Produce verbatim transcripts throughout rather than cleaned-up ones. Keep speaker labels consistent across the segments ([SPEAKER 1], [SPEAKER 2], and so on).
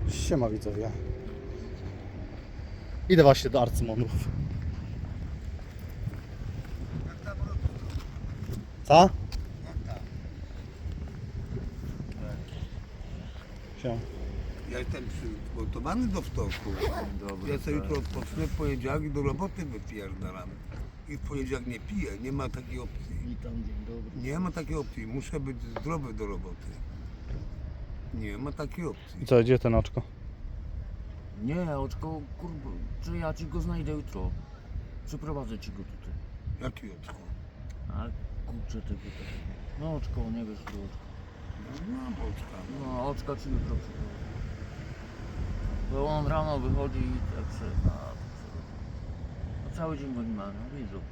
[SPEAKER 1] Siema widzowie. Idę właśnie do arcymonów. Co? Siema.
[SPEAKER 2] Ja jestem przygotowany do wtorku.
[SPEAKER 3] Dobry,
[SPEAKER 2] Ja sobie
[SPEAKER 3] tak.
[SPEAKER 2] jutro odpocznę, w poniedziałek i do roboty wypierdalam. I w poniedziałek nie piję, nie ma takiej opcji.
[SPEAKER 3] Witam, dzień dobry.
[SPEAKER 2] Nie ma takiej opcji, muszę być zdrowy do roboty. Nie ma takiej opcji.
[SPEAKER 1] I co, gdzie ten oczko?
[SPEAKER 3] Nie, oczko, kurwa, czy ja ci go znajdę jutro? Przyprowadzę ci go tutaj.
[SPEAKER 2] Jaki oczko?
[SPEAKER 3] A kurczę tego takiego. No oczko, nie wiesz do oczka.
[SPEAKER 2] No, no oczka.
[SPEAKER 3] No oczka ci jutro przyprowadzę. Bo on rano wychodzi i tak se, a, tak se. No, cały dzień go nie ma, no wiedzą.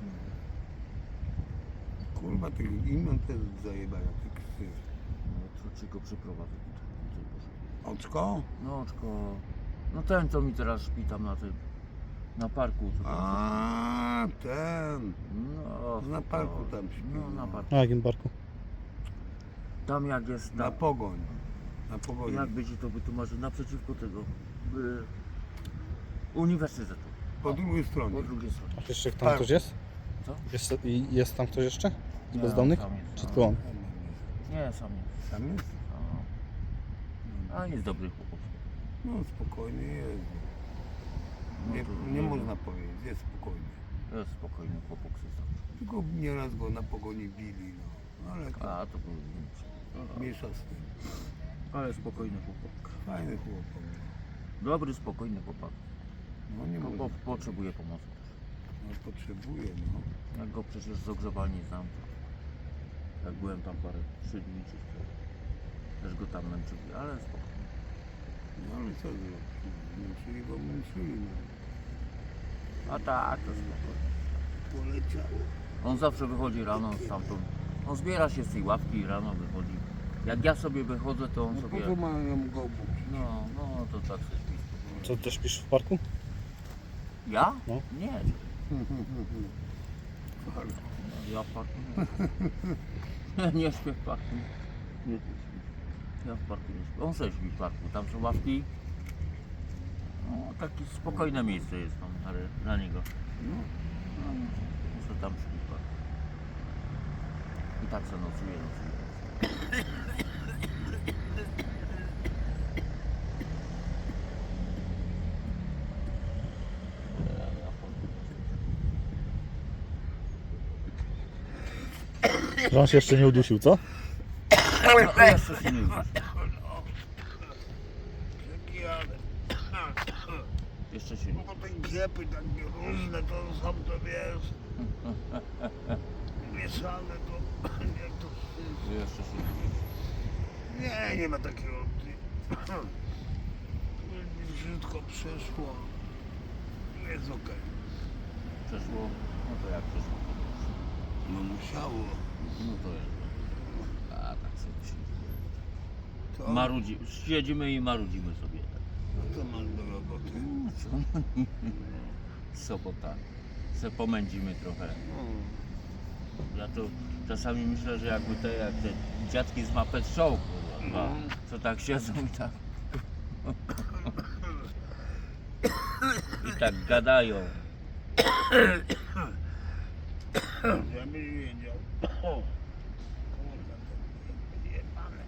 [SPEAKER 2] Kurwa, tych imion też zajebania, tych krzyw.
[SPEAKER 3] No to ci go przyprowadzę tutaj. tutaj Boże.
[SPEAKER 2] Oczko?
[SPEAKER 3] No oczko, no ten co mi teraz śpi tam na tym, na parku. Co tam
[SPEAKER 2] A ten.
[SPEAKER 3] No,
[SPEAKER 2] Na parku
[SPEAKER 3] to-
[SPEAKER 2] tam śpi,
[SPEAKER 3] No, na
[SPEAKER 2] no.
[SPEAKER 3] parku.
[SPEAKER 1] Na jakim barku?
[SPEAKER 3] Tam jak jest,
[SPEAKER 2] Na
[SPEAKER 3] tam,
[SPEAKER 2] pogoń. Na pogoń.
[SPEAKER 3] jakby ci to wytłumaczył, naprzeciwko tego y, uniwersytetu,
[SPEAKER 2] Po drugiej stronie.
[SPEAKER 3] po drugiej stronie.
[SPEAKER 1] A jeszcze tam
[SPEAKER 2] Parku.
[SPEAKER 1] ktoś jest?
[SPEAKER 3] Co?
[SPEAKER 1] Jest, i jest tam ktoś jeszcze? Z
[SPEAKER 3] Nie,
[SPEAKER 1] bezdomnych?
[SPEAKER 3] sam jest,
[SPEAKER 1] Czy
[SPEAKER 3] sam.
[SPEAKER 1] tylko on?
[SPEAKER 3] Nie, sam jest.
[SPEAKER 2] Tam jest?
[SPEAKER 3] A, a jest dobry chłopak.
[SPEAKER 2] No spokojnie jest.
[SPEAKER 3] No
[SPEAKER 2] Nie,
[SPEAKER 3] to
[SPEAKER 2] nie
[SPEAKER 3] wiem.
[SPEAKER 2] można powiedzieć, jest spokojny.
[SPEAKER 3] Jest spokojny chłopak. jest zawsze.
[SPEAKER 2] Tylko nieraz go na pogoni bili, no. Ale to
[SPEAKER 3] A, to był większy.
[SPEAKER 2] mniejsza z tym.
[SPEAKER 3] Ale spokojny chłopak.
[SPEAKER 2] Fajny chłopak.
[SPEAKER 3] Dobry, spokojny chłopak.
[SPEAKER 2] No nie
[SPEAKER 3] No,
[SPEAKER 2] może.
[SPEAKER 3] bo potrzebuje pomocy.
[SPEAKER 2] No potrzebuje, no.
[SPEAKER 3] Jak go przecież z ogrzewalni znam, to jak byłem tam parę, trzy dni czy cztery, też go tam męczyli, ale spokojnie.
[SPEAKER 2] No ale co zrobić? Męczyli go, męczyli, no.
[SPEAKER 3] A tak, to spokojnie.
[SPEAKER 2] Poleciało.
[SPEAKER 3] On zawsze wychodzi rano stamtąd. On zbiera się z tej ławki i rano wychodzi. Jak ja sobie wychodzę, to on
[SPEAKER 2] No po
[SPEAKER 3] sobie...
[SPEAKER 2] co mają go obudzić?
[SPEAKER 3] No, no to tak sobie śpi spokojnie.
[SPEAKER 1] Co, też śpisz w parku?
[SPEAKER 3] Ja?
[SPEAKER 1] No.
[SPEAKER 3] Nie.
[SPEAKER 2] Fajnie.
[SPEAKER 3] No, ja w parku nie. Ja nie śpię w parku. Nie śpię. Ja w parku nie śpię. On sobie śpi w parku. Tam są ławki. No, takie spokojne miejsce jest tam dla, dla niego.
[SPEAKER 2] No.
[SPEAKER 3] No, on sobie tam śpi w parku. I tak se nocuje, nocuje. Ja w parku nie śpię.
[SPEAKER 1] Że on się jeszcze nie udusił, co?
[SPEAKER 3] No, jeszcze się nie udusił. Jeszcze się nie
[SPEAKER 2] Bo te giepy takie różne, to są to wiesz. Mieszane to, jak to wszystko.
[SPEAKER 3] Jeszcze się nie udusił.
[SPEAKER 2] Nie, nie ma takiej opcji. Wszystko przeszło. Jest okej.
[SPEAKER 3] Przeszło? No to jak przeszło, to przeszło.
[SPEAKER 2] No musiało.
[SPEAKER 3] No to jest. A tak sobie siedzimy.
[SPEAKER 2] To,
[SPEAKER 3] Marudzi, siedzimy i marudzimy sobie.
[SPEAKER 2] to masz do roboty.
[SPEAKER 3] Co? No, sobota. Se pomędzimy trochę.
[SPEAKER 2] No.
[SPEAKER 3] Ja to czasami myślę, że jakby te, jak te dziadki z Muppet Show, kurwa,
[SPEAKER 2] No.
[SPEAKER 3] co tak siedzą i tak... I tak gadają.
[SPEAKER 2] Żebyś wiedział. O, kurwa, to jebane.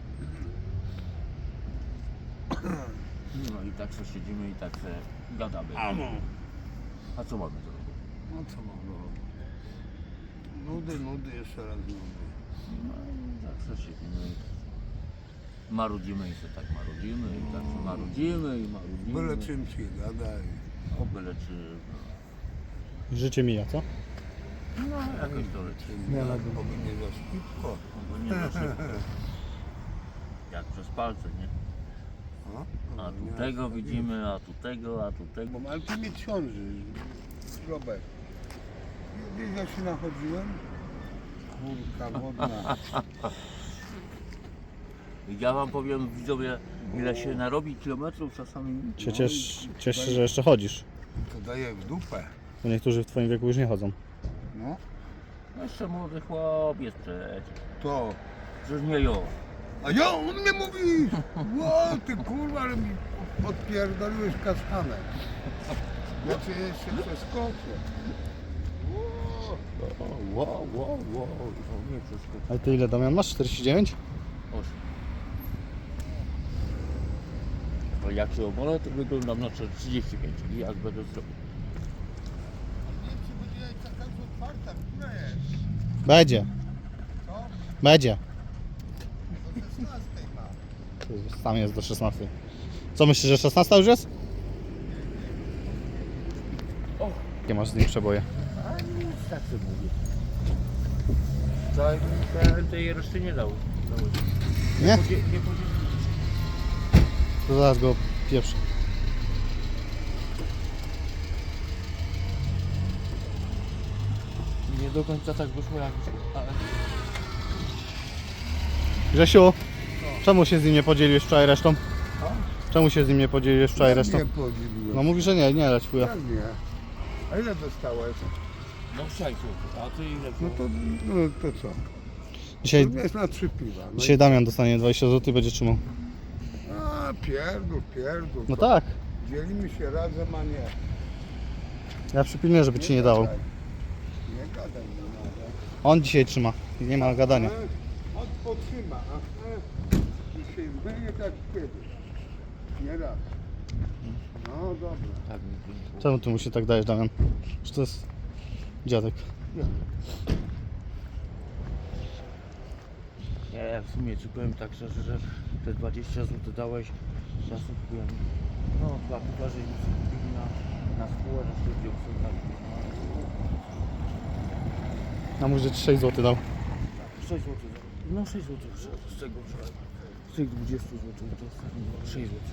[SPEAKER 3] No i tak sobie siedzimy i tak se gadamy.
[SPEAKER 2] A no.
[SPEAKER 3] A co mamy zrobić?
[SPEAKER 2] No co mam robić? Nudy, nudy, jeszcze raz nudy.
[SPEAKER 3] No i tak se siedzimy i tak marudzimy i se tak marudzimy i tak se marudzimy i marudzimy.
[SPEAKER 2] Byle czym się gadaj.
[SPEAKER 3] O byle czy...
[SPEAKER 1] Życie mija, co?
[SPEAKER 3] No jakoś to leci.
[SPEAKER 2] Nie, oby nie za szybko.
[SPEAKER 3] Bo nie za szybko. Jak przez palce, nie?
[SPEAKER 2] O,
[SPEAKER 3] A tu
[SPEAKER 2] nie,
[SPEAKER 3] tego
[SPEAKER 2] tak
[SPEAKER 3] widzimy, a tu tego, a tu tego.
[SPEAKER 2] Bo ale ty mnie ciążysz, Robert. Wiesz jak się nachodziłem? Kurka wodna.
[SPEAKER 3] Ja wam powiem widzowie, ile się narobi kilometrów czasami.
[SPEAKER 1] Cię ciesz, cieszę się, że jeszcze chodzisz.
[SPEAKER 2] To daje w dupę.
[SPEAKER 1] Bo niektórzy w twoim wieku już nie chodzą.
[SPEAKER 2] No.
[SPEAKER 3] No jeszcze młody chłopiec przecież.
[SPEAKER 2] To.
[SPEAKER 3] Przecież nie jo.
[SPEAKER 2] A ja, on mnie mówi! Ło, ty kurwa, ale mi odpierdoliłeś kaszanek. Ja cię jeszcze przeskoczę.
[SPEAKER 3] O, wow, wow, wow. O, nie wszystko.
[SPEAKER 1] Ale ty ile, Damian, masz? czterdzieści dziewięć?
[SPEAKER 3] osiem. Ale jak się omolę, to wyglądam na trzydzieści pięć. I jak będę zrobił?
[SPEAKER 2] Nie wiem, czy będzie jajca końcu otwarta, która jest?
[SPEAKER 1] Będzie,
[SPEAKER 2] Co?
[SPEAKER 1] będzie.
[SPEAKER 2] Do szesnastej ma.
[SPEAKER 1] Tam jest do szesnastej. Co myślisz, że szesnasta już jest?
[SPEAKER 3] O,
[SPEAKER 1] Jakie masz z nim przeboje?
[SPEAKER 3] a nic, tak sobie mówię. Wczoraj te- tej reszty nie dał.
[SPEAKER 1] Nie?
[SPEAKER 3] podzie- nie podzie-
[SPEAKER 1] To zaraz go pieprzę.
[SPEAKER 3] Nie do końca tak wyszło jak ale
[SPEAKER 1] Grzesiu, czemu się z nim nie podzieliłeś wczoraj resztą? Czemu się z nim nie podzieliłeś wczoraj resztą?
[SPEAKER 2] Nie podzieliłem.
[SPEAKER 1] No mówi, że nie, nie leć chuja.
[SPEAKER 2] Jak nie? A ile dostałeś?
[SPEAKER 3] no sześć złotych, a ty ile
[SPEAKER 2] No
[SPEAKER 3] wziąłeś?
[SPEAKER 2] to, no to co?
[SPEAKER 1] Dzisiaj,
[SPEAKER 2] To jest na trzy piwa. No
[SPEAKER 1] dzisiaj Damian dostanie dwadzieścia złotych i będzie trzymał.
[SPEAKER 2] i... A, pierdół, pierdół.
[SPEAKER 1] No
[SPEAKER 2] to
[SPEAKER 1] tak,
[SPEAKER 2] Dzielimy się razem, a nie.
[SPEAKER 1] ja przypilnuję, żeby ci nie dało.
[SPEAKER 2] gadaj. Nie gadaj, nie nada.
[SPEAKER 1] On dzisiaj trzyma, nie ma gadania.
[SPEAKER 2] On potrzyma, a i się zmyje tak kiedyś. Nie raz. No dobra.
[SPEAKER 3] Tak, nie, nie, nie.
[SPEAKER 1] Czemu ty mu się tak dajesz, Damian? Że to jest dziadek.
[SPEAKER 3] Nie, ja w sumie ci powiem tak szczerze, że te dwadzieścia złotych dałeś, ja sobie kupiłem, no dwa piwa, że mi sobie kupili na, na spółę, że sobie wziął sobie na
[SPEAKER 1] A mówi, że ci sześć złotych dał.
[SPEAKER 3] sześć złotych, no sześć złotych z tego wczoraj. Z tych dwudziestu złotych to jest sześć złotych.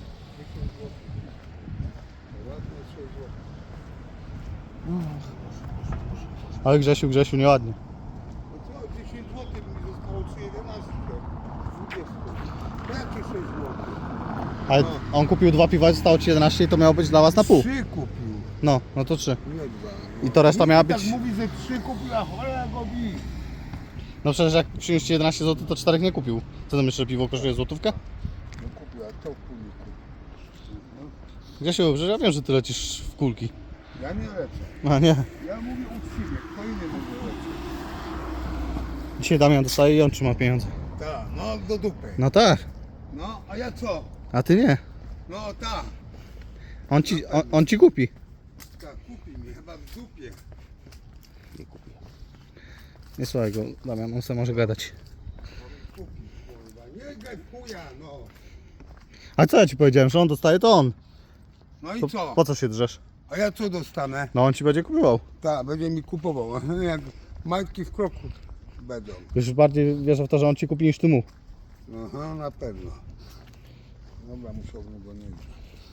[SPEAKER 2] Ładnie sześć złotych.
[SPEAKER 3] No chyba, że może, może.
[SPEAKER 1] Ale Grzesiu, Grzesiu, nieładnie.
[SPEAKER 2] No co, dziesięć złotych mi zostało, czy jedenaście? dwadzieścia. Jakie sześć złotych?
[SPEAKER 1] Ale
[SPEAKER 2] No.
[SPEAKER 1] on kupił dwa piwa, zostało ci jedenaście i to miało być dla was na pół.
[SPEAKER 2] Trzy kupił,
[SPEAKER 1] No, no to trzy.
[SPEAKER 2] nie dwa.
[SPEAKER 1] I to reszta
[SPEAKER 2] Nikt
[SPEAKER 1] miała
[SPEAKER 2] tak
[SPEAKER 1] być-
[SPEAKER 2] mówi, że trzy kupił, a cholera go bij.
[SPEAKER 1] No przecież jak przyniósł ci jedenaście złotych, to czterech nie kupił. Co tam jeszcze piwo kosztuje złotówkę?
[SPEAKER 2] No kupił, a to kupił. No,
[SPEAKER 1] Grzesiu, przecież ja wiem, że ty lecisz w kulki.
[SPEAKER 2] ja nie lecę.
[SPEAKER 1] A nie.
[SPEAKER 2] Ja mówię uczciwie, kto inny mówi lecę.
[SPEAKER 1] Dzisiaj Damian dostaje i on trzyma pieniądze.
[SPEAKER 2] Tak, no do dupy.
[SPEAKER 1] No tak,
[SPEAKER 2] No, a ja co?
[SPEAKER 1] a ty nie.
[SPEAKER 2] No tak,
[SPEAKER 1] On ci, on, on ci kupi.
[SPEAKER 2] tak, kupi mi chyba w dupie.
[SPEAKER 3] Nie kupię.
[SPEAKER 1] Nie słuchaj go, Damian, on sobie może gadać.
[SPEAKER 2] Kupi, kurwa, nie gaj chuja, no.
[SPEAKER 1] A co ja ci powiedziałem, że on dostaje, to on.
[SPEAKER 2] No i
[SPEAKER 1] To
[SPEAKER 2] co?
[SPEAKER 1] po co się drzesz?
[SPEAKER 2] A ja co dostanę?
[SPEAKER 1] No on ci będzie kupował.
[SPEAKER 2] Tak, będzie mi kupował, jak majtki w kroku będą.
[SPEAKER 1] Już bardziej wierzę w to, że on ci kupi niż ty mu.
[SPEAKER 2] Aha, na pewno. Dobra, musiałbym go nie wziąć.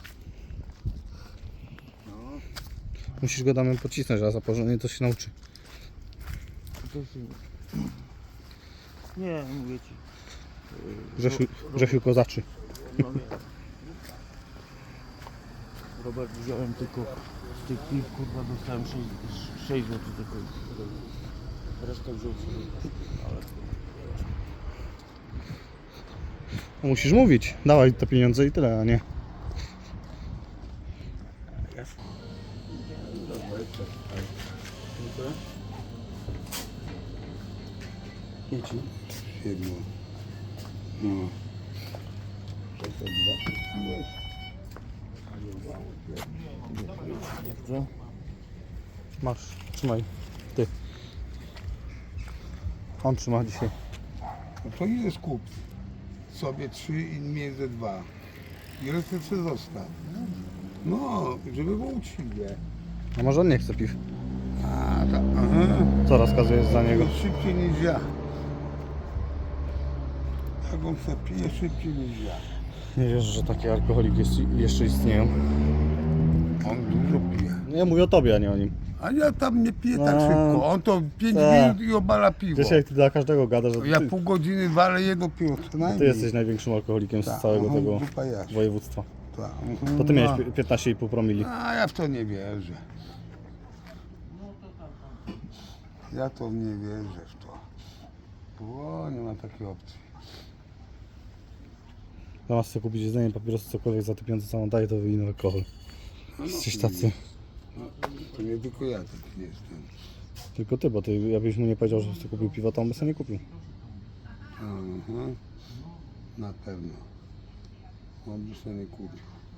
[SPEAKER 2] No,
[SPEAKER 1] Musisz go Damian pocisnąć, a za porządnie to się nauczy.
[SPEAKER 3] To jest... Nie, mówię ci.
[SPEAKER 1] Grzesiu, Grzesiu kozaczy.
[SPEAKER 3] No nie. Robert, wziąłem tylko z tych piw, kurwa, dostałem sześć złotych tylko. Resztę wziął sobie, ale...
[SPEAKER 1] No musisz mówić, dawaj te pieniądze i tyle, a nie.
[SPEAKER 3] Jasne.
[SPEAKER 2] siedmiu. No. To to dwa kupiłeś?
[SPEAKER 3] Co?
[SPEAKER 1] Masz, trzymaj. Ty. On trzyma dzisiaj.
[SPEAKER 2] No to ile skup? Sobie trzy i mnie ze dwa. I resztę sobie zostaw. No, żeby było uczciwie.
[SPEAKER 1] A może on nie chce piw?
[SPEAKER 2] A, tak, aha.
[SPEAKER 1] Co rozkazujesz za niego?
[SPEAKER 2] Szybciej niż ja. Jak on se pije szybciej niż ja.
[SPEAKER 1] Nie wiesz, że takie alkoholiki jest, jeszcze istnieją.
[SPEAKER 2] On dużo pije.
[SPEAKER 1] No ja mówię o tobie, a nie o nim.
[SPEAKER 2] A ja tam nie piję tak
[SPEAKER 1] A,
[SPEAKER 2] szybko. On to pięć
[SPEAKER 1] tak.
[SPEAKER 2] minut i obala piwo.
[SPEAKER 1] Wiesz, jak ty dla każdego gadasz, że
[SPEAKER 2] Ja
[SPEAKER 1] ty,
[SPEAKER 2] pół godziny walę jego piwo. co najmniej.
[SPEAKER 1] ty jesteś największym alkoholikiem z
[SPEAKER 2] Tak,
[SPEAKER 1] całego
[SPEAKER 2] aha,
[SPEAKER 1] tego
[SPEAKER 2] dupa jaś.
[SPEAKER 1] województwa.
[SPEAKER 2] Tak.
[SPEAKER 1] To ty miałeś
[SPEAKER 2] No.
[SPEAKER 1] pi- piętnaście i pół promili.
[SPEAKER 2] A ja w to nie wierzę. Ja to nie wierzę w to. O, nie ma takiej opcji.
[SPEAKER 1] Zamiast sobie kupić jedzenie, papierosy, cokolwiek za te pieniądze, co on daje, to wino, alkohol.
[SPEAKER 2] No,
[SPEAKER 1] Jesteś
[SPEAKER 2] no,
[SPEAKER 1] tacy.
[SPEAKER 2] No, to nie tylko ja taki jestem.
[SPEAKER 1] Tylko ty, bo ty, jakbyś mu nie powiedział, że sobie kupił piwo, to on by sobie nie kupił.
[SPEAKER 2] Aha. Na pewno. On by sobie nie kupił.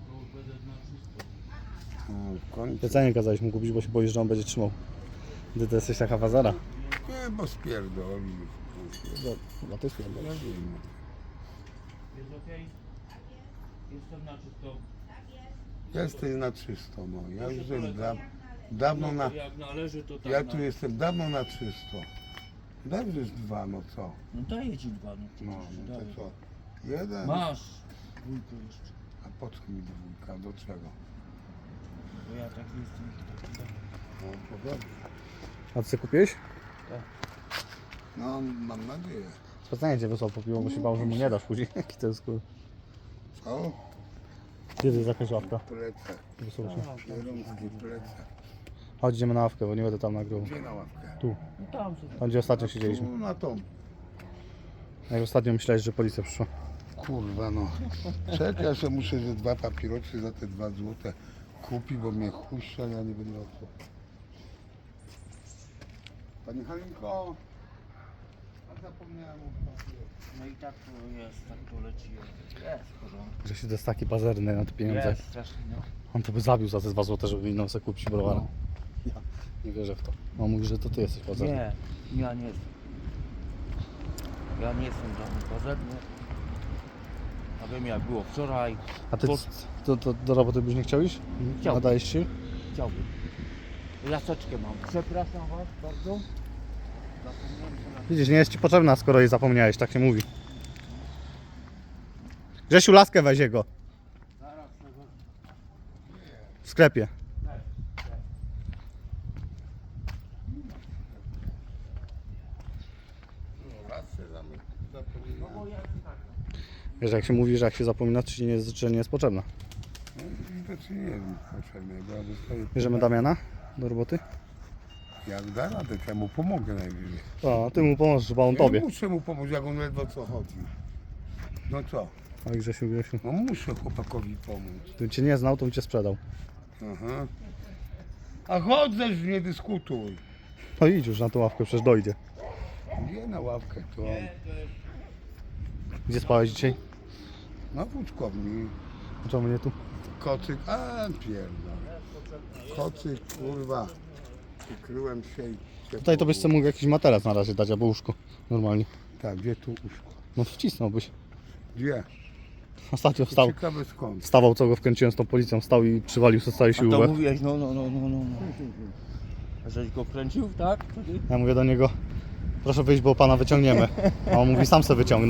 [SPEAKER 2] No, w końcu.
[SPEAKER 1] Jedzenie kazałeś mu kupić, bo się boisz, że on będzie trzymał. Ty to jesteś taka fazara.
[SPEAKER 2] Nie, bo spierdoli.
[SPEAKER 1] Chyba to jest
[SPEAKER 2] Ja wiem.
[SPEAKER 3] Jest okej? Jestem na czysto.
[SPEAKER 2] Jesteś na czysto, no. Ja już jestem da, dawno na...
[SPEAKER 3] Jak należy, to tak.
[SPEAKER 2] Ja
[SPEAKER 3] na-
[SPEAKER 2] tu jestem dawno na czysto. Dobrze jest dwa, no co?
[SPEAKER 3] No daję ci dwa, no
[SPEAKER 2] No,
[SPEAKER 3] przecież,
[SPEAKER 2] no
[SPEAKER 3] daję.
[SPEAKER 2] to co? Jeden?
[SPEAKER 3] Masz dwójkę jeszcze.
[SPEAKER 2] A po co mi dwójka? Do czego?
[SPEAKER 3] Bo ja taki jestem. Taki, taki.
[SPEAKER 2] No, to dobrze.
[SPEAKER 1] A ty sobie kupiłeś?
[SPEAKER 2] No, mam nadzieję.
[SPEAKER 1] Specjalnie cię wysłał po piwo, bo się bał, że mu nie dasz później. Jaki to jest kur...
[SPEAKER 2] Co?
[SPEAKER 1] Gdzie to jest jakaś ławka?
[SPEAKER 2] Plecak.
[SPEAKER 1] Wysłał się.
[SPEAKER 2] Kierunki plecak.
[SPEAKER 1] Chodź, idziemy na ławkę, bo nie będę tam nagrywał.
[SPEAKER 2] Gdzie na ławkę?
[SPEAKER 1] Tu,
[SPEAKER 3] No tam sobie.
[SPEAKER 1] tam gdzie ostatnio siedzieliśmy.
[SPEAKER 2] Tu na tą.
[SPEAKER 1] Jak ostatnio myślałeś, że policja przyszła.
[SPEAKER 2] Kurwa no. Czekaj, że muszę ze dwa papierosy za te dwa złote kupić, bo mnie chuścia, ja nie będę co. Pani Halinko, a zapomniałem o papierosach.
[SPEAKER 3] No i tak to jest, tak to leci. Jest w porządku.
[SPEAKER 1] Że się to jest taki pazerny na te pieniądze.
[SPEAKER 3] Jest strasznie, no.
[SPEAKER 1] On to by zabił za te dwa złote, żeby inną sobie kupić browara. Ja nie wierzę w to. On mówi, że to ty jesteś pazerny.
[SPEAKER 3] Nie, ja nie jestem. Ja nie jestem żadnym pazerny. A wiem jak było wczoraj.
[SPEAKER 1] A ty
[SPEAKER 3] Bo-
[SPEAKER 1] to, to do roboty byś nie chciał iść?
[SPEAKER 3] Chciałbym.
[SPEAKER 1] Nadajesz się?
[SPEAKER 3] Chciałbym. Laseczkę mam. Przepraszam was bardzo. Zapomniałem, że na-
[SPEAKER 1] Widzisz, nie jest ci potrzebna, skoro jej zapomniałeś, tak się mówi. Grzesiu, laskę weź jego.
[SPEAKER 3] Zaraz tego.
[SPEAKER 1] W sklepie.
[SPEAKER 2] No, raz się zamy- zapominałem.
[SPEAKER 3] Bo ja tak.
[SPEAKER 1] Wiesz, jak się mówi, że jak się zapomina, to ci nie jest, że nie jest potrzebna.
[SPEAKER 2] No, widocznie nie jest mi potrzebne, bo ja dostaję...
[SPEAKER 1] Bierzemy Damiana do roboty?
[SPEAKER 2] Jak da radę, to ja mu pomogę najwyżej.
[SPEAKER 1] A, ty mu pomożesz, bo on
[SPEAKER 2] Ja
[SPEAKER 1] tobie.
[SPEAKER 2] muszę mu pomóc, jak on ledwo co chodzi. No co?
[SPEAKER 1] Oj, Grzesiu, Grzesiu.
[SPEAKER 2] No muszę chłopakowi pomóc.
[SPEAKER 1] Gdybym cię nie znał, to bym cię sprzedał.
[SPEAKER 2] Aha. A chodź też, nie dyskutuj.
[SPEAKER 1] No idź już na tą ławkę, przecież dojdzie.
[SPEAKER 2] Gdzie na ławkę to?
[SPEAKER 1] Gdzie spałeś dzisiaj?
[SPEAKER 2] Na włóczkowni.
[SPEAKER 1] Czemu nie tu?
[SPEAKER 2] Kocyk, a pierdol. Kocyk, kurwa. Ukryłem się i...
[SPEAKER 1] Tutaj to byś sobie mógł jakiś materac na razie dać, albo łóżko. Normalnie.
[SPEAKER 2] Tak, gdzie tu uszko?
[SPEAKER 1] No wcisnąłbyś.
[SPEAKER 2] Gdzie?
[SPEAKER 1] Ostatnio wstał.
[SPEAKER 2] Ciekawe skąd.
[SPEAKER 1] Wstawał, co go wkręciłem z tą policją, wstał i przywalił sobie z całej
[SPEAKER 3] A
[SPEAKER 1] siły
[SPEAKER 3] to
[SPEAKER 1] łeb.
[SPEAKER 3] mówiłeś, no, no, no, no, no. no. A żeś go kręcił, tak? Wtedy?
[SPEAKER 1] Ja mówię do niego, proszę wyjść, bo pana wyciągniemy. A on mówi, sam se wyciągnę.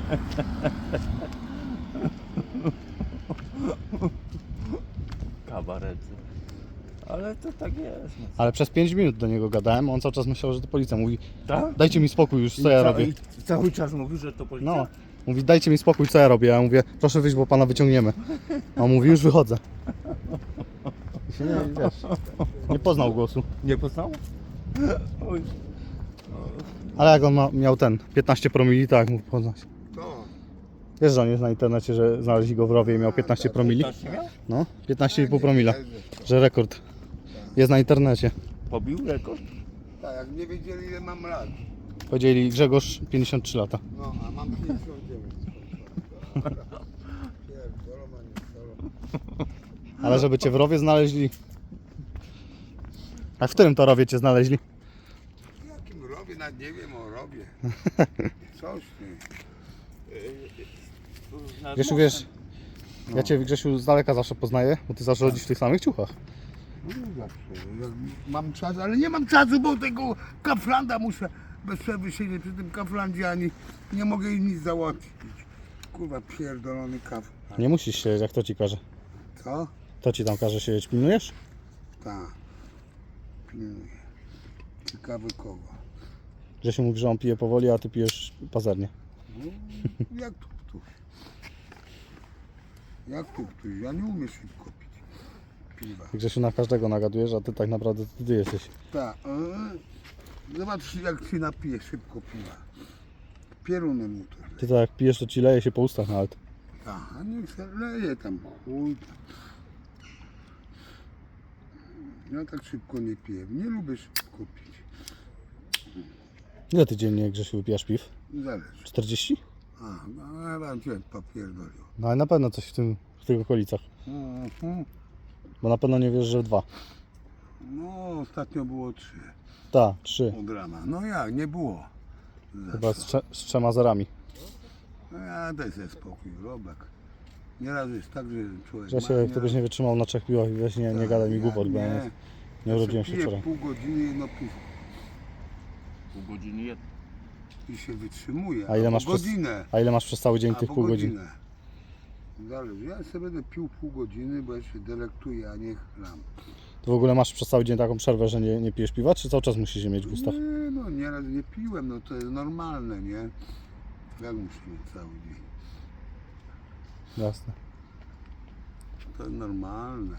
[SPEAKER 3] Kabarety. Ale to tak jest. No.
[SPEAKER 1] Ale przez pięć minut do niego gadałem, on cały czas myślał, że to policja. Mówi,
[SPEAKER 3] Tak?
[SPEAKER 1] dajcie mi spokój już, co ja
[SPEAKER 3] I ca-
[SPEAKER 1] robię.
[SPEAKER 3] I cały czas mówił, że to policja?
[SPEAKER 1] No, mówi, dajcie mi spokój, co ja robię. Ja mówię, proszę wyjść, bo pana wyciągniemy. A on mówi, już wychodzę. I się nie, wiesz, nie poznał głosu.
[SPEAKER 3] Nie poznał? Oj.
[SPEAKER 1] Ale jak on ma, miał ten, piętnaście promili, tak mógł poznać.
[SPEAKER 2] To.
[SPEAKER 1] Wiesz, że on jest na internecie, że znaleźli go w rowie i miał piętnaście promili?
[SPEAKER 3] piętnaście miał?
[SPEAKER 1] No, piętnaście i pół promila, że rekord. Jest na internecie.
[SPEAKER 3] Pobił rekord?
[SPEAKER 2] Tak, jak nie wiedzieli ile mam lat.
[SPEAKER 1] Powiedzieli Grzegorz pięćdziesiąt trzy lata.
[SPEAKER 2] No, a mam pięćdziesiąt dziewięć. Pierdolą, a nie solą.
[SPEAKER 1] Ale żeby cię w rowie znaleźli. A w którym to rowie cię znaleźli?
[SPEAKER 2] W jakim robię? Nawet nie wiem o robię. Coś ty.
[SPEAKER 1] Grzesiu, wiesz, ja cię, Grzesiu, z daleka zawsze poznaję, bo ty zawsze chodzisz w tych samych ciuchach.
[SPEAKER 2] No zawsze. Jak mam czas, ale nie mam czasu, bo tego kaflanda muszę bez przerwy siedzieć przy tym kaflandzie, ani nie mogę im nic załatwić. Kurwa, pierdolony kaflan.
[SPEAKER 1] Nie musisz siedzieć, jak to ci każe.
[SPEAKER 2] Co?
[SPEAKER 1] To ci tam każe siedzieć, pilnujesz?
[SPEAKER 2] Tak. Pilnuję. Ciekawy kogo.
[SPEAKER 1] Grzesiu mówi, że on pije powoli, a ty pijesz pazernie.
[SPEAKER 2] No, jak tu ktoś? Jak tu ktoś? Ja nie umiem szybko pić piwa.
[SPEAKER 1] Grzesiu na każdego nagadujesz, a ty tak naprawdę ty, ty jesteś.
[SPEAKER 2] Tak. e, Zobacz jak się napije szybko piwa. Pierunem mu to.
[SPEAKER 1] Ty to jak pijesz, to ci leje się po ustach nawet.
[SPEAKER 2] Tak, a niech se leje tam chuj tam. Ja tak szybko nie piję, nie lubię szybko pić.
[SPEAKER 1] Ile ty dziennie, Grzesiu, wypijasz piw?
[SPEAKER 2] Zależy.
[SPEAKER 1] czterdzieści?
[SPEAKER 2] A, no ja wam cię popierdolił.
[SPEAKER 1] No ale na pewno coś w, tym, w tych okolicach.
[SPEAKER 2] Mhm.
[SPEAKER 1] Bo na pewno nie wiesz, że dwa.
[SPEAKER 2] No ostatnio było trzy
[SPEAKER 1] Tak, trzy.
[SPEAKER 2] od rana. No jak, nie było.
[SPEAKER 1] Chyba z, trze- z trzema zerami.
[SPEAKER 2] No ja daj sobie spokój, Robek. Nieraz jest tak, że człowiek
[SPEAKER 1] Grzesiu,
[SPEAKER 2] ma,
[SPEAKER 1] jak ty byś nie wytrzymał na trzech piłach, weź nie, nie gadaj mi głupot, bo ja nie, nie urodziłem się
[SPEAKER 2] piję
[SPEAKER 1] wczoraj.
[SPEAKER 2] pół godziny jedno piwo
[SPEAKER 3] Pół godziny jedno.
[SPEAKER 2] i się wytrzymuje.
[SPEAKER 1] A ile
[SPEAKER 2] albo
[SPEAKER 1] masz przez-
[SPEAKER 2] godzinę.
[SPEAKER 1] A ile masz przez cały dzień
[SPEAKER 2] albo
[SPEAKER 1] tych pół godziny?
[SPEAKER 2] godzinę. Zależy. Ja sobie będę pił pół godziny, bo ja się delektuję, a nie chlam.
[SPEAKER 1] Ty w ogóle masz przez cały dzień taką przerwę, że nie, nie pijesz piwa, czy cały czas musisz je mieć w ustach?
[SPEAKER 2] Nie, no nieraz nie piłem, no to jest normalne, nie? Jak muszę mieć cały dzień?
[SPEAKER 1] Jasne.
[SPEAKER 2] To jest normalne.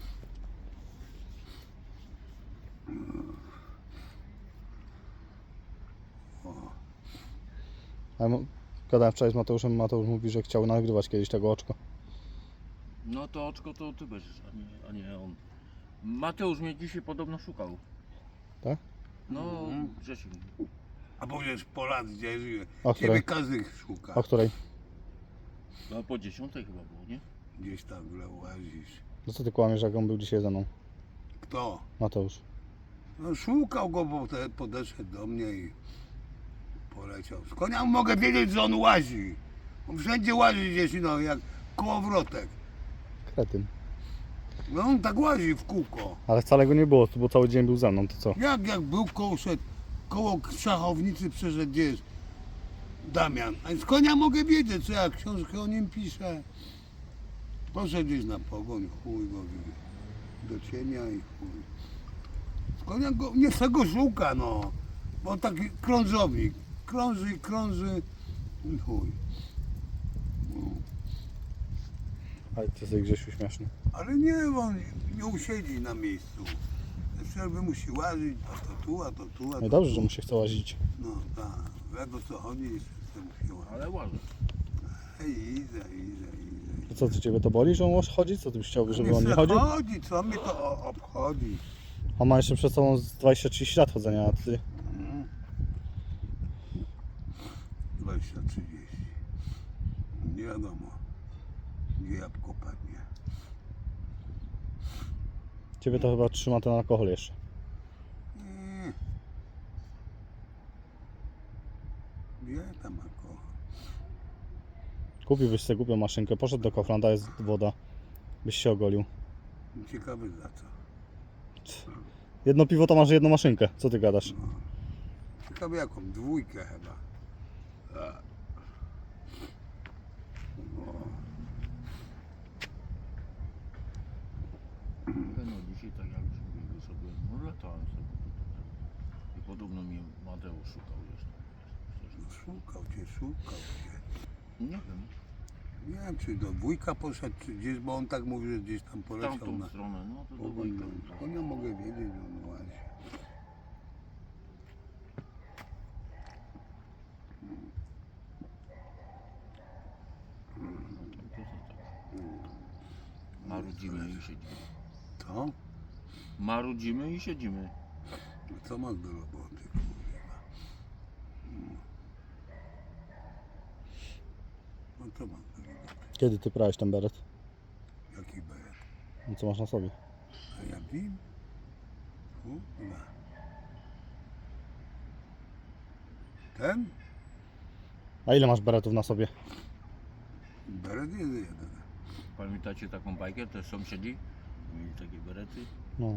[SPEAKER 1] A mo- gadałem wczoraj z Mateuszem, Mateusz mówi, że chciał nagrywać kiedyś tego oczko.
[SPEAKER 3] No to oczko to ty będziesz, a nie, a nie on. Mateusz mnie dzisiaj podobno szukał.
[SPEAKER 1] Tak?
[SPEAKER 3] No,
[SPEAKER 2] Mhm.
[SPEAKER 3] Grzesiu.
[SPEAKER 2] A powiesz Polacy gdzie żyje.
[SPEAKER 1] O
[SPEAKER 2] Ciebie
[SPEAKER 1] której?
[SPEAKER 2] każdy szuka.
[SPEAKER 1] O której?
[SPEAKER 3] No po dziesiątej chyba było, nie?
[SPEAKER 2] Gdzieś tam w le łazisz.
[SPEAKER 1] No co ty kłamiesz, jak on był dzisiaj ze mną?
[SPEAKER 2] Kto?
[SPEAKER 1] Mateusz.
[SPEAKER 2] No szukał go, bo te podeszedł do mnie i poleciał. Skąd ja mogę wiedzieć, że on łazi? On wszędzie łazi gdzieś, no jak kołowrotek.
[SPEAKER 1] Kretyn.
[SPEAKER 2] No on tak łazi w kółko.
[SPEAKER 1] Ale wcale go nie było, bo cały dzień był ze mną, to co?
[SPEAKER 2] Jak, jak był koło, szedł, koło szachownicy przeszedł, gdzie jest Damian. A skąd ja mogę wiedzieć, co ja książkę o nim piszę? Poszedł gdzieś na pogoń, chuj go wie, do cienia i chuj. Skąd ja go, nie se go szuka, no. Bo on taki krążownik. Krąży i krąży i chuj. No.
[SPEAKER 1] Ale ty jesteś, Grzesiu, śmieszny.
[SPEAKER 2] Ale nie, on nie usiedzi na miejscu. Te przerwy musi łazić, a to tu, a to tu, a
[SPEAKER 1] No
[SPEAKER 2] to
[SPEAKER 1] i dobrze,
[SPEAKER 2] tu.
[SPEAKER 1] że mu się chce łazić.
[SPEAKER 2] No tak, jak o co chodzi, jeszcze chce musi łazić.
[SPEAKER 3] Ale łażę.
[SPEAKER 2] Ej, idę, idę, idę.
[SPEAKER 1] To co, ty ciebie to boli, że on może chodzi? Co ty byś chciał, żeby on nie
[SPEAKER 2] se
[SPEAKER 1] chodził?
[SPEAKER 2] chodzi, co mnie to o- obchodzi?
[SPEAKER 1] On ma jeszcze przed sobą z dwadzieścia trzydzieści lat chodzenia, a ty...
[SPEAKER 2] Mhm. dwadzieścia trzydzieści. Nie wiadomo, gdzie jabłko padnie.
[SPEAKER 1] Ciebie to chyba trzyma ten alkohol jeszcze.
[SPEAKER 2] Nie. Gdzie tam alkohol?
[SPEAKER 1] Kupiłbyś sobie głupią maszynkę, poszedł do Kauflanda, jest woda. Byś się ogolił.
[SPEAKER 2] Ciekawy za co.
[SPEAKER 1] Jedno piwo to masz jedną maszynkę, co ty gadasz?
[SPEAKER 2] Ciekawy jaką, dwójkę chyba. A.
[SPEAKER 3] No dzisiaj tak jak już mówię, wyszedłem, no latałem sobie tutaj. I podobno mnie Mateusz szukał jeszcze.
[SPEAKER 2] No, szukał cię, szukał cię.
[SPEAKER 3] Nie wiem,
[SPEAKER 2] Nie wiem, czy do wujka poszedł, czy gdzieś, bo on tak mówi, że gdzieś tam
[SPEAKER 3] w
[SPEAKER 2] poleciał
[SPEAKER 3] tamtą
[SPEAKER 2] na
[SPEAKER 3] stronę, no to do
[SPEAKER 2] pogoń.
[SPEAKER 3] Wojka.
[SPEAKER 2] Skąd ja mogę wiedzieć, że on łazi?
[SPEAKER 3] Marudzimy i siedzimy.
[SPEAKER 2] Co?
[SPEAKER 3] Marudzimy i siedzimy.
[SPEAKER 2] No co masz do roboty, kurwa? No co masz do roboty?
[SPEAKER 1] Kiedy ty prałeś ten beret?
[SPEAKER 2] Jaki beret?
[SPEAKER 1] No co masz na sobie?
[SPEAKER 2] A ja wiem? Kurwa. Ten?
[SPEAKER 1] A ile masz beretów na sobie?
[SPEAKER 2] Beret jest jeden.
[SPEAKER 3] Pamiętacie taką bajkę, te sąsiedzi? Mieli takie berety.
[SPEAKER 1] No.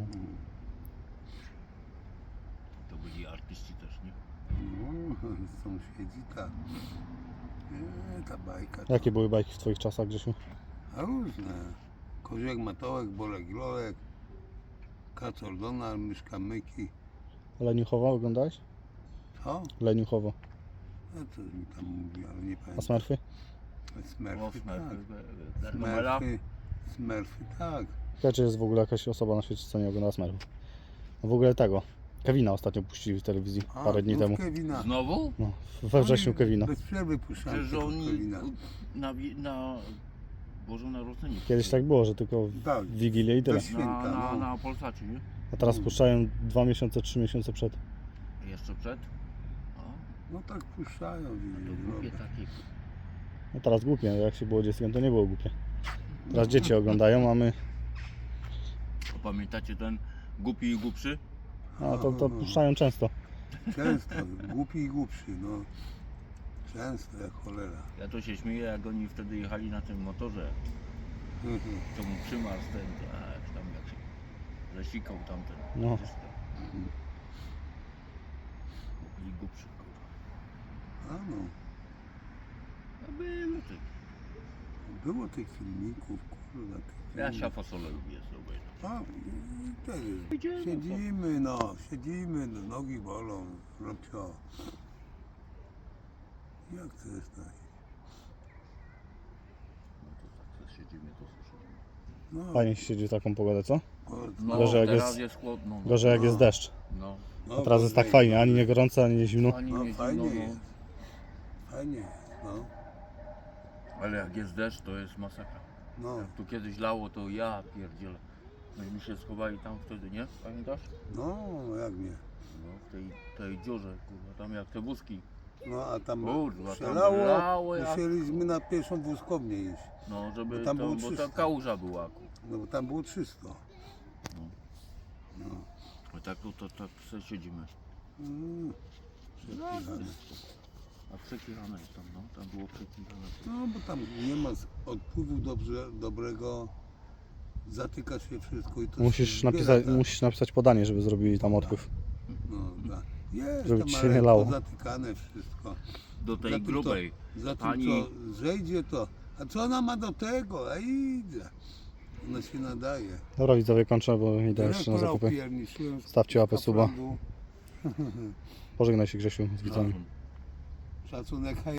[SPEAKER 3] To byli artyści też, nie?
[SPEAKER 2] No, sąsiedzi tak. Nie, ta bajka. To...
[SPEAKER 1] Jakie były bajki w twoich czasach, Grzesiu?
[SPEAKER 2] A różne. Koziek Matołek, Bolek Lolek, Kacor Donald, Myszka Myki.
[SPEAKER 1] Leniuchowo oglądałeś?
[SPEAKER 2] Co?
[SPEAKER 1] Leniuchowo.
[SPEAKER 2] No co mi tam mówi, ale nie
[SPEAKER 1] A
[SPEAKER 2] pamiętam.
[SPEAKER 1] Smurfy?
[SPEAKER 2] Smurfy,
[SPEAKER 3] O,
[SPEAKER 2] tak.
[SPEAKER 3] Gargamela.
[SPEAKER 2] Smurfy, Smurfy, tak.
[SPEAKER 1] Ciekawe, czy jest w ogóle jakaś osoba na świecie, co nie ogląda Smurfów. No w ogóle tego. Kevina ostatnio puścili w telewizji
[SPEAKER 2] A,
[SPEAKER 1] parę dni
[SPEAKER 2] znów
[SPEAKER 1] temu.
[SPEAKER 2] Kevina.
[SPEAKER 3] Znowu?
[SPEAKER 1] No, we wrześniu
[SPEAKER 2] Oni
[SPEAKER 1] Kevina.
[SPEAKER 2] Bez przerwy puszczali
[SPEAKER 3] Przecież
[SPEAKER 2] tego
[SPEAKER 3] oni
[SPEAKER 2] Kevina.
[SPEAKER 3] u- na, wi- na Boże Narodzenie.
[SPEAKER 1] Kiedyś tak było, że tylko w
[SPEAKER 2] Tak.
[SPEAKER 1] Wigilię i tyle.
[SPEAKER 2] Do święta,
[SPEAKER 3] Na, na,
[SPEAKER 2] no.
[SPEAKER 3] na Polsacie, nie?
[SPEAKER 1] A teraz puszczają dwa miesiące, trzy miesiące przed.
[SPEAKER 3] Jeszcze przed? O,
[SPEAKER 2] No tak puszczają.
[SPEAKER 3] to
[SPEAKER 2] widzisz,
[SPEAKER 3] głupie
[SPEAKER 2] no.
[SPEAKER 3] takie.
[SPEAKER 1] No teraz głupie, jak się było dzieckiem, to nie było głupie. Teraz dzieci oglądają, a my...
[SPEAKER 3] Pamiętacie ten głupi i głupszy?
[SPEAKER 1] A to, to puszczają często.
[SPEAKER 2] Często, głupi i głupszy, no. Często jak cholera.
[SPEAKER 3] Ja to się śmieję, jak oni wtedy jechali na tym motorze. To mu przymarz ten, a jak tam jak się zasikał tamten.
[SPEAKER 1] No.
[SPEAKER 3] Wiesz to? Głupi i głupszy, kurwa.
[SPEAKER 2] A no,
[SPEAKER 3] No było tych.
[SPEAKER 2] było tych filmików, kurwa. Tych
[SPEAKER 3] Ja
[SPEAKER 2] filmów.
[SPEAKER 3] siafosolę lubię sobie.
[SPEAKER 2] A, i wtedy
[SPEAKER 3] Idziemy,
[SPEAKER 2] siedzimy, no, siedzimy, no, nogi bolą, robcio. Jak to jest tak?
[SPEAKER 3] No to tak, siedzimy, to słyszymy.
[SPEAKER 2] No,
[SPEAKER 1] Fajnie się siedzi w taką pogodę, co?
[SPEAKER 2] bardzo.
[SPEAKER 3] No,
[SPEAKER 1] Gorzej jak
[SPEAKER 3] teraz
[SPEAKER 1] jest-
[SPEAKER 3] jest chłodno. No.
[SPEAKER 1] Gorzej jak
[SPEAKER 2] No.
[SPEAKER 1] jest deszcz.
[SPEAKER 3] No.
[SPEAKER 2] No,
[SPEAKER 1] A teraz jest tak
[SPEAKER 2] gorzej.
[SPEAKER 1] fajnie, ani nie gorąco, ani nie zimno.
[SPEAKER 3] Ani
[SPEAKER 2] No
[SPEAKER 3] nie
[SPEAKER 2] fajnie
[SPEAKER 3] zimno, no.
[SPEAKER 2] jest. Fajnie jest, no.
[SPEAKER 3] Ale jak jest deszcz, to jest masakra.
[SPEAKER 2] No,
[SPEAKER 3] Jak tu kiedyś lało, to ja pierdzielę. Myśmy się schowali tam wtedy, nie? Pamiętasz?
[SPEAKER 2] no, jak nie.
[SPEAKER 3] No, w tej, tej dziurze, kurwa, tam jak te wózki.
[SPEAKER 2] No, a tam
[SPEAKER 3] Kurwa, tam
[SPEAKER 2] przelało,
[SPEAKER 3] lało jak-
[SPEAKER 2] musieliśmy na pierwszą wózkownię iść.
[SPEAKER 3] No, żeby
[SPEAKER 2] Bo tam
[SPEAKER 3] to,
[SPEAKER 2] było
[SPEAKER 3] bo to
[SPEAKER 2] czysto.
[SPEAKER 3] kałuża była. kurwa.
[SPEAKER 2] No, bo tam było czysto. No.
[SPEAKER 3] A tak tu to tak sobie siedzimy.
[SPEAKER 2] Mm. Przekichane.
[SPEAKER 3] A przekichane jest tam, no, tam było przekichane.
[SPEAKER 2] No, bo tam nie ma z- odpływu dobrze, dobrego, zatyka się wszystko i to
[SPEAKER 1] Musisz
[SPEAKER 2] się zbiera,
[SPEAKER 1] napisać,
[SPEAKER 2] tak.
[SPEAKER 1] musisz napisać podanie, żeby zrobili tam odpływ.
[SPEAKER 2] No, tak. Jest
[SPEAKER 1] Żeby
[SPEAKER 2] tam,
[SPEAKER 1] ci się
[SPEAKER 2] ale
[SPEAKER 1] nie lało.
[SPEAKER 2] pozatykane wszystko.
[SPEAKER 3] Do tej
[SPEAKER 2] Za tym
[SPEAKER 3] grubej.
[SPEAKER 2] To, za tym
[SPEAKER 3] Pani-
[SPEAKER 2] co zejdzie to, a co ona ma do tego? A idzie. Ona się nadaje.
[SPEAKER 1] Dobra widzowie, kończę, bo idę jeszcze na
[SPEAKER 2] Dyrektora
[SPEAKER 1] zakupy.
[SPEAKER 2] opierniczyłem z
[SPEAKER 1] Stawcie łapę, suba.
[SPEAKER 2] kaflandu.
[SPEAKER 1] Pożegnaj się Grzesiu z widzami.
[SPEAKER 3] Razem.
[SPEAKER 2] Szacunek.